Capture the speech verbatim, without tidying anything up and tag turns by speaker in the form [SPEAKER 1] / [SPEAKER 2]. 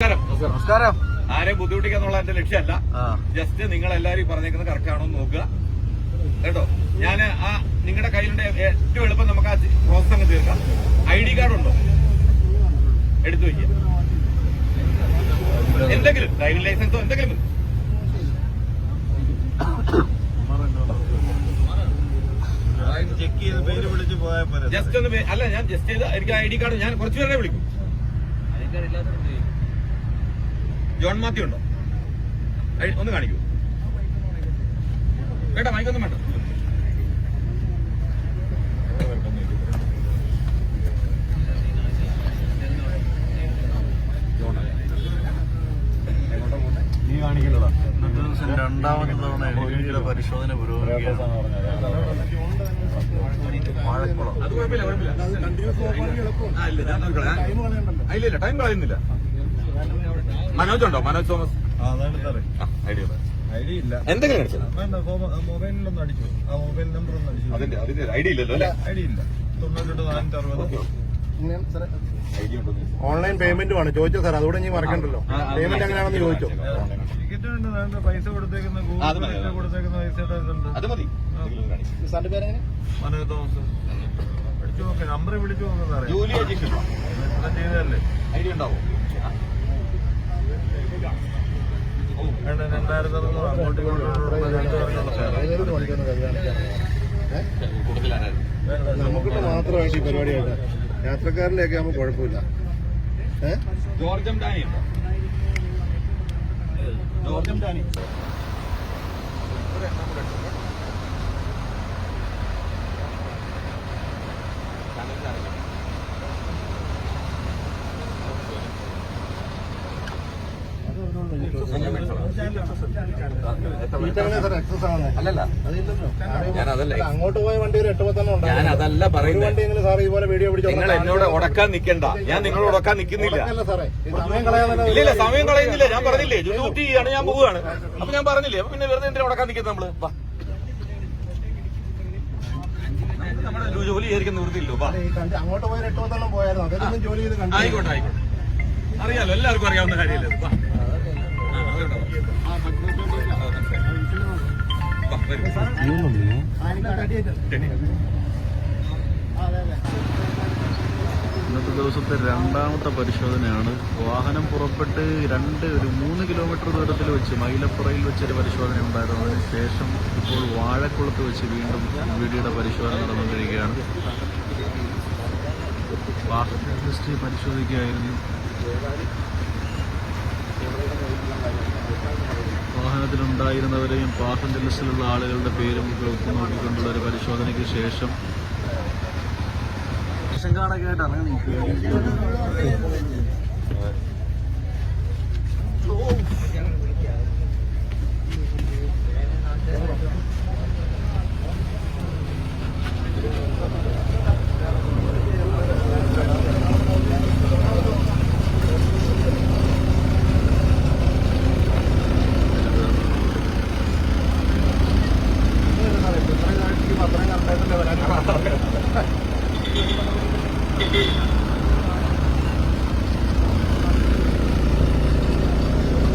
[SPEAKER 1] നമസ്കാരം.
[SPEAKER 2] നമസ്കാരം.
[SPEAKER 1] ആരെയും ബുദ്ധിമുട്ടിക്കാന്നുള്ള എന്റെ ലക്ഷ്യമല്ല. ജസ്റ്റ് നിങ്ങൾ എല്ലാവരും പറഞ്ഞേക്കുന്നത് കറക്റ്റ് ആണോ എന്ന് നോക്കുക കേട്ടോ. ഞാൻ ആ നിങ്ങളുടെ കയ്യിലുണ്ട് ഏറ്റവും എളുപ്പം നമുക്ക് ആ പ്രോസസ് അങ്ങ് തീർക്കാം. ഐ ഡി കാർഡ് ഉണ്ടോ? എടുത്തു വയ്ക്കുക. എന്തെങ്കിലും ഡ്രൈവിംഗ് ലൈസൻസോ എന്തെങ്കിലും
[SPEAKER 2] ചെക്ക് ചെയ്ത് പേര് വിളിച്ച് പോയാൽ
[SPEAKER 1] ജസ്റ്റ് ഒന്ന് അല്ല ഞാൻ ജസ്റ്റ് ചെയ്ത് എനിക്ക് ഐ ഡി കാർഡ് ഞാൻ കുറച്ചു പേരെ വിളിക്കും. ജോൺ മാത്യു ഉണ്ടോ? ഒന്ന് കാണിക്കൂ കേട്ടോ. മൈക്കൊന്നും വേണ്ട.
[SPEAKER 2] നീ കാണിക്കലടാ. രണ്ടാമത്തെ തവണ എഴുതിയുടെ പരിശോധന പുരോഗമിക്കുകയാണ്.
[SPEAKER 1] അത് കുഴപ്പമില്ല കുഴപ്പമില്ല. ഇല്ല ടൈം കളയുന്നില്ല. മനോജ് ഉണ്ടോ? മനോജ് തോമസ് ഐഡിയ
[SPEAKER 2] ഐഡിയ ഇല്ല.
[SPEAKER 1] എന്തെങ്കിലും അടിച്ചത്
[SPEAKER 2] മൊബൈലിലൊന്നും അടിച്ചു. ആ മൊബൈൽ നമ്പർ ഒന്നും അടിച്ചു.
[SPEAKER 1] അതിന്റെ അതിന്റെ ഐഡിയ ഇല്ലല്ലോ അല്ലേ?
[SPEAKER 2] ഐഡിയ ഇല്ല. തൊണ്ണൂറ്റെട്ട് നാനൂറ്റി അറുപത്
[SPEAKER 3] ഓൺലൈൻ പേയ്മെന്റുമാണ് ചോദിച്ചോ സാർ. അതുകൂടെ നീ മറക്കണ്ടല്ലോ. പേയ്മെന്റ് എങ്ങനെയാണെന്ന് ചോദിച്ചോ.
[SPEAKER 2] ടിക്കറ്റ് ഉണ്ട്. പൈസ കൊടുത്തേക്കുന്ന ഗൂഗിൾ പേ കൊടുത്തേക്കുന്ന പൈസയുടെ ഇതുണ്ട്.
[SPEAKER 1] അത് മതി.
[SPEAKER 3] സാറിന്റെ പേരെങ്ങനെ?
[SPEAKER 2] മനോജ് തോമസ്. വിളിച്ചു നോക്ക്. നമ്പർ വിളിച്ചു നോക്കുന്നത് അറിയാം.
[SPEAKER 1] ജോലി
[SPEAKER 2] ചെയ്തതല്ലേ?
[SPEAKER 1] ഐഡിയ ഉണ്ടാവും.
[SPEAKER 2] രണ്ടായിരത്തി അറുന്നൂറ് അങ്ങോട്ട്
[SPEAKER 3] നമുക്കിട്ട് മാത്രമായിട്ട് ഈ പരിപാടിയായിട്ട് യാത്രക്കാരിലേക്ക് ആകുമ്പോൾ കുഴപ്പമില്ല.
[SPEAKER 1] ജോർജം ഡാനി ഉണ്ടോ? ജോർജം ഡാനി അല്ലല്ല ഞാനതല്ല
[SPEAKER 3] അങ്ങോട്ട് പോയ വണ്ടി ഒരു എട്ട് പത്തെണ്ണം
[SPEAKER 1] ഞാൻ അതല്ല പറയുന്നത്.
[SPEAKER 3] സാർ ഇതുപോലെ വീഡിയോ പിടിച്ചു
[SPEAKER 1] നിങ്ങൾ എന്നോട് ഉടക്കാൻ നിൽക്കണ്ട. ഞാൻ നിങ്ങളോട് ഉടക്കാൻ നിൽക്കുന്നില്ല.
[SPEAKER 3] സാറേ സമയം കളയാൻ
[SPEAKER 1] ഇല്ല സമയം കളയുന്നില്ല. ഞാൻ പറഞ്ഞില്ലേ ഡ്യൂട്ടി ചെയ്യാണ്, ഞാൻ പോവുകയാണ്. അപ്പൊ ഞാൻ പറഞ്ഞില്ലേ അപ്പൊ പിന്നെ വെറുതെ എന്തിനാ ഉടക്കാൻ നിൽക്കുന്നത് നമ്മള്? നമ്മുടെ ജോലി ചെയ്യാതിരിക്കാൻ നിവൃത്തിയില്ലോ.
[SPEAKER 3] അങ്ങോട്ട് പോയ എട്ട് പത്തെണ്ണം പോയായിരുന്നു. അതൊന്നും ജോലി ചെയ്ത് കണ്ടു.
[SPEAKER 1] ആയിക്കോട്ടെ ആയിക്കോട്ടെ. അറിയാലോ, എല്ലാവർക്കും അറിയാവുന്ന കാര്യമല്ലേ.
[SPEAKER 4] ഇന്നത്തെ ദിവസത്തെ രണ്ടാമത്തെ പരിശോധനയാണ്. വാഹനം പുറപ്പെട്ട് രണ്ട് ഒരു മൂന്ന് കിലോമീറ്റർ ദൂരത്തിൽ വെച്ച് മൈലപ്പുറയിൽ വെച്ചൊരു പരിശോധന ഉണ്ടായിരുന്നു. അതിന് ശേഷം ഇപ്പോൾ വാഴക്കുളത്ത് വെച്ച് വീണ്ടും വീടിയുടെ പരിശോധന നടന്നുകൊണ്ടിരിക്കുകയാണ്. വാഹന ഹിസ്റ്ററി പരിശോധിക്കുകയായിരുന്നു. വാഹനത്തിലുണ്ടായിരുന്നവരെയും പാസഞ്ചർ ലിസ്റ്റിലുള്ള ആളുകളുടെ പേരും ഒക്കെ നോക്കിക്കൊണ്ടുള്ള ഒരു പരിശോധനയ്ക്ക് ശേഷം കാണൊക്കെയായിട്ട് ഇറങ്ങി